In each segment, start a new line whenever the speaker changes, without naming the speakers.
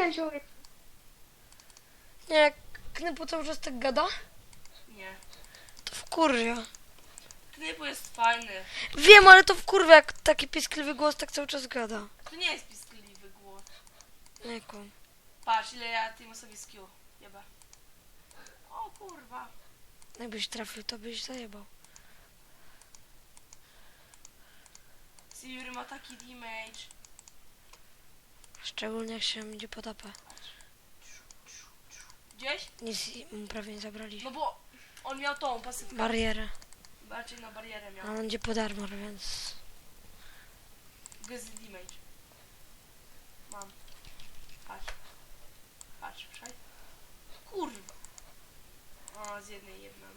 wziął.
Nie, jak Knypu cały czas tak gada,
Nie.
to wkurwia.
Knypu jest fajny.
Wiem, ale to wkurwia, jak taki piskliwy głos tak cały czas gada.
To nie jest piskliwy głos.
Nie kłam.
Patrz, ile ja tym sobie z Q. Jeba. O kurwa.
Jakbyś trafił, to byś zajebał.
Silver ma taki damage.
Szczególnie jak się idzie pod AP.
Gdzieś?
Nic mu prawie nie zabraliśmy.
No bo on miał tą pasywkę.
Barierę.
Raczej na barierę miał.
A on idzie pod armor, więc...
Gaz damage. Mam. Patrz. Patrz, przej. Kurwa. O, z jednej jedną.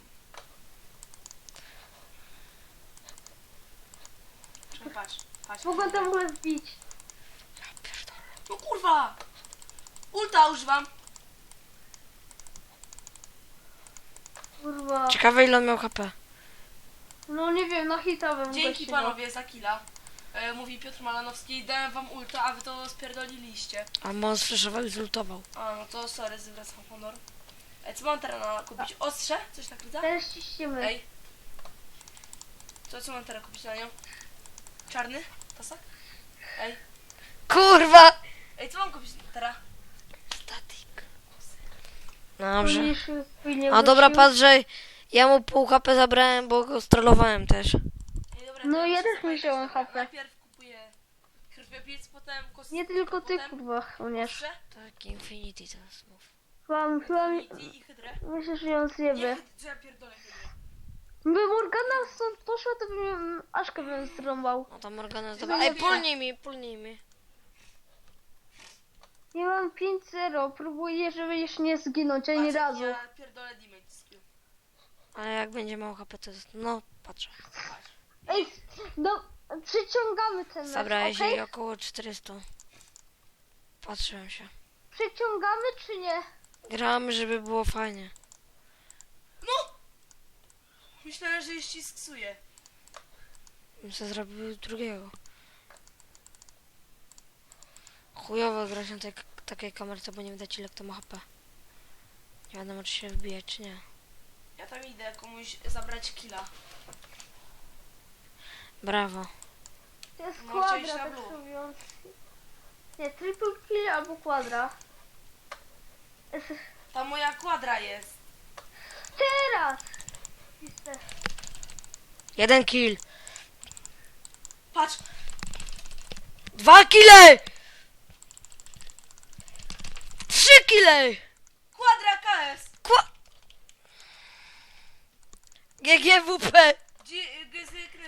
Czekaj, patrz. Patrz.
Mogę tam w ogóle wbić.
Ja pierdolę.
No kurwa! Ulta używam.
Kurwa.
Ciekawe ile on miał HP.
No nie wiem, na hita bym
Dzięki
gościu
panowie za killa. Mówi Piotr Malanowski, dałem wam ulta, a wy to spierdoliliście.
A on sfreszował i zultował.
A, no to sorry, zwracam honor. Co mam teraz kupić? Ostrze? Coś tak rydza?
Teraz ciśniemy.
Ej. Co mam teraz kupić na nią? Czarny? Tasak? Ej.
Kurwa!
Ej, co mam kupić teraz?
Statik. Dobrze.
Mniejszy chwilę
A dobra,
wrócił.
patrz, że ja mu pół HP zabrałem, bo go strollowałem też.
Ej, dobra,
No
to
ja
muszę
też
zobaczyć,
wziąłem
dobra.
HP.
Najpierw kupuję krwiobiec, potem kostkę.
Nie tylko ty,
potem
kurwa, umiesz.
ostrze,
Tak, Infinity teraz mów.
Chyba
Infinity i hydrę.
myślę, że ją zjebę.
Nie, że ja pierdolę hydrę.
By Morgana stąd poszła, to bym Aszkę bym zrąbał.
No to Morgana
Ja
zdobyła.
nie
Ej,
wiem.
pulnij mi.
Ja mam 5-0, próbuję, żeby jeszcze nie zginąć ani
Patrz,
razu.
Ja pierdolę damage z Q.
A jak będzie mało HP, to jest... No, patrzę.
Patrz.
Ej, no, przyciągamy ten mecz,
Zabrałeś
okej?
jej około 400. Patrzyłem się.
Przyciągamy czy nie?
Gramy, żeby było fajnie.
No! Myślałem, że jeszcze sksuję.
Bym sobie zrobił drugiego. Chujowo grać na takiej kamerce, bo nie widać ile kto ma HP. Nie wiadomo, czy się wbije, czy nie.
Ja tam idę komuś zabrać killa.
Brawo.
To jest
No,
kwadra,
chcieliście na
tak
blue.
mówiąc. Nie, triple kill albo kwadra.
Ta moja kwadra jest.
Teraz! Piste.
1 kill.
Patrz!
2 kile! 3 kile!
Kwadra KS!
GGWP!
Gdzie